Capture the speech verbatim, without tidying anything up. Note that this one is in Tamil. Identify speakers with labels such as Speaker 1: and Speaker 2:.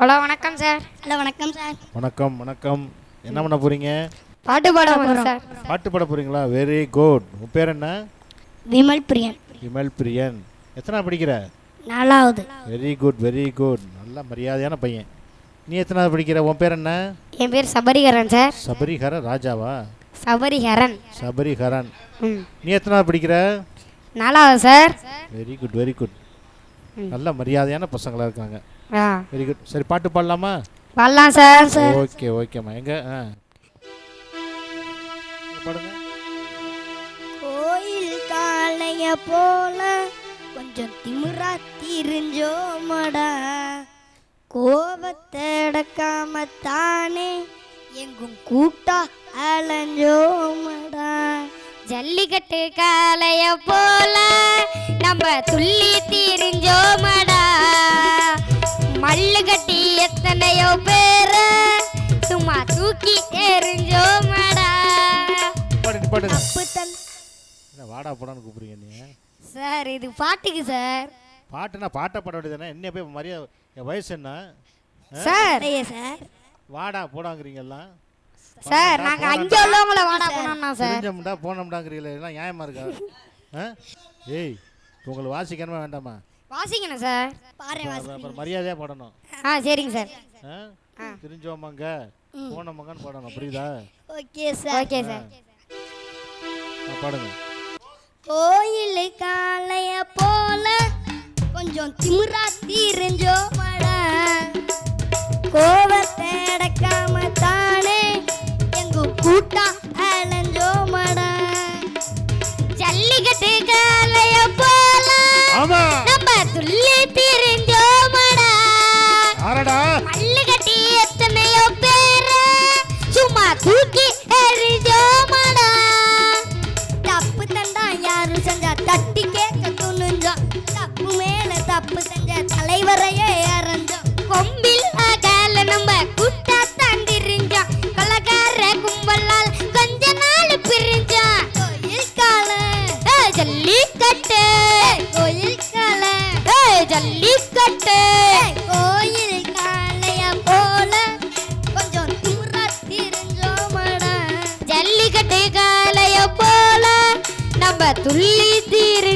Speaker 1: ஹலோ வணக்கம் சார்.
Speaker 2: ஹலோ வணக்கம் சார்.
Speaker 3: வணக்கம் வணக்கம். என்ன பண்ண போறீங்க?
Speaker 1: பாட்டு பாட போறோம் சார்.
Speaker 3: பாட்டு பாட போறீங்களா? Very good. உன் பேர் என்ன?
Speaker 2: விமல் பிரியன்.
Speaker 3: விமல் பிரியன். எத்தனை படிக்கிற?
Speaker 2: நாலாவது.
Speaker 3: Very good very good. நல்ல மரியாதையான பையன். நீ எத்தனாவது படிக்கிற? உன் பேர் என்ன?
Speaker 1: என் பேர் சபரிகரன் சார்.
Speaker 3: சபரிஹர ராஜாவா?
Speaker 1: சபரிகரன்.
Speaker 3: சபரிஹரன்.
Speaker 1: ம்.
Speaker 3: நீ எத்தனாவது படிக்கிற?
Speaker 1: நாலாவது sir.
Speaker 3: Very good very good. நல்ல மரியாதையான பசங்களா இருக்காங்க.
Speaker 1: ஆ
Speaker 2: வெரி
Speaker 3: குட். சரி பாட்டு பாடலாமா?
Speaker 1: பாடலாம் சார்.
Speaker 3: ஓகே ஓகேம்மா. எங்க ஆ பாடுங்க.
Speaker 2: கோயில் காளைய போல கொஞ்சம் திமிரா திரிஞ்சோமடா, கோபத்தை அடக்காம தானே எங்கும் கூட்டா அலைஞ்சோமடா.
Speaker 1: ஜல்லிக்கட்டு காளைய போல நம்ம துள்ளி திரிஞ்சோமடா, மல்லு கட்டி எத்தனையோ பேர சும்மா தூக்கி எறிஞ்சோமடா.
Speaker 3: பாடு பாடு.
Speaker 2: தப்பு தன்
Speaker 3: என்ன வாடா போடான்னு கூப்பிடுறீங்க நீ?
Speaker 1: சார் இது பாட்டுக்கு சார்.
Speaker 3: பாட்டுனா பாட்டை பாட வேண்டியதானே? என்ன போய் மரியாதை? என் வயசு என்ன
Speaker 1: சார்?
Speaker 2: சார்
Speaker 3: வாடா போடாங்கிறீங்க எல்லாம்.
Speaker 1: சார் நாங்க அங்க உள்ளவங்கள வாடா போனோம்னா சார்.
Speaker 3: தெரிஞ்சோம்டா போனோம்டாங்கிறீங்களே, எல்லாம் நியாயமா இருக்கா? ஆ ஏய் உங்களுக்கு வாசிக்கணுமா வேண்டாமா?
Speaker 1: வாசிக்கணும் சார்.
Speaker 2: பாரு
Speaker 3: அப்புறம் மரியாதையாக பாடணும்.
Speaker 1: ஆ சரிங்க சார்.
Speaker 3: ஆ தெரிஞ்சோமாங்க போனோமாங்கன்னு பாடணும், புரியுதா?
Speaker 2: Okay sir.
Speaker 1: Okay sir.
Speaker 3: பாடுங்க.
Speaker 2: கோயில் காளைய போல கொஞ்சம் திமிரா திரிஞ்சோமடா, கோபத்தை அடக்காம தானே எங்கும் கூட்டா அலைஞ்சோமடா.
Speaker 1: ஜல்லிக்கட்டு காளைய போல நம்ம துள்ளி திரிஞ்சோமடா,
Speaker 3: ஆரடா
Speaker 1: மல்லு கட்டி எத்தனையோ பேர சும்மா தூக்கி எறிஞ்சோமடா.
Speaker 2: தப்பு தண்டா யாரு செஞ்சா தட்டி கேட்க துணிஞ்சோம், தப்பு மேல தப்பு செஞ்ச தலைவரையே அரைஞ்சோம்.
Speaker 1: கொம்பில் அகால நம்ம கூட்டா தாண்டிரிஞ்சோம், கலகார கும்பலால் கொஞ்ச நாள் பிரிஞ்சோம்.
Speaker 2: கோயில் காளை
Speaker 1: ஜல்லிக்கட்டு
Speaker 2: கோயில் காளை
Speaker 1: ஜல்லிக்கட்டு
Speaker 2: கோயில் காளைய போல கொஞ்சம் திமிரா திரிஞ்சோமடா.
Speaker 1: ஜல்லிக்கட்டு காளைய போல நம்ம துள்ளி தீரு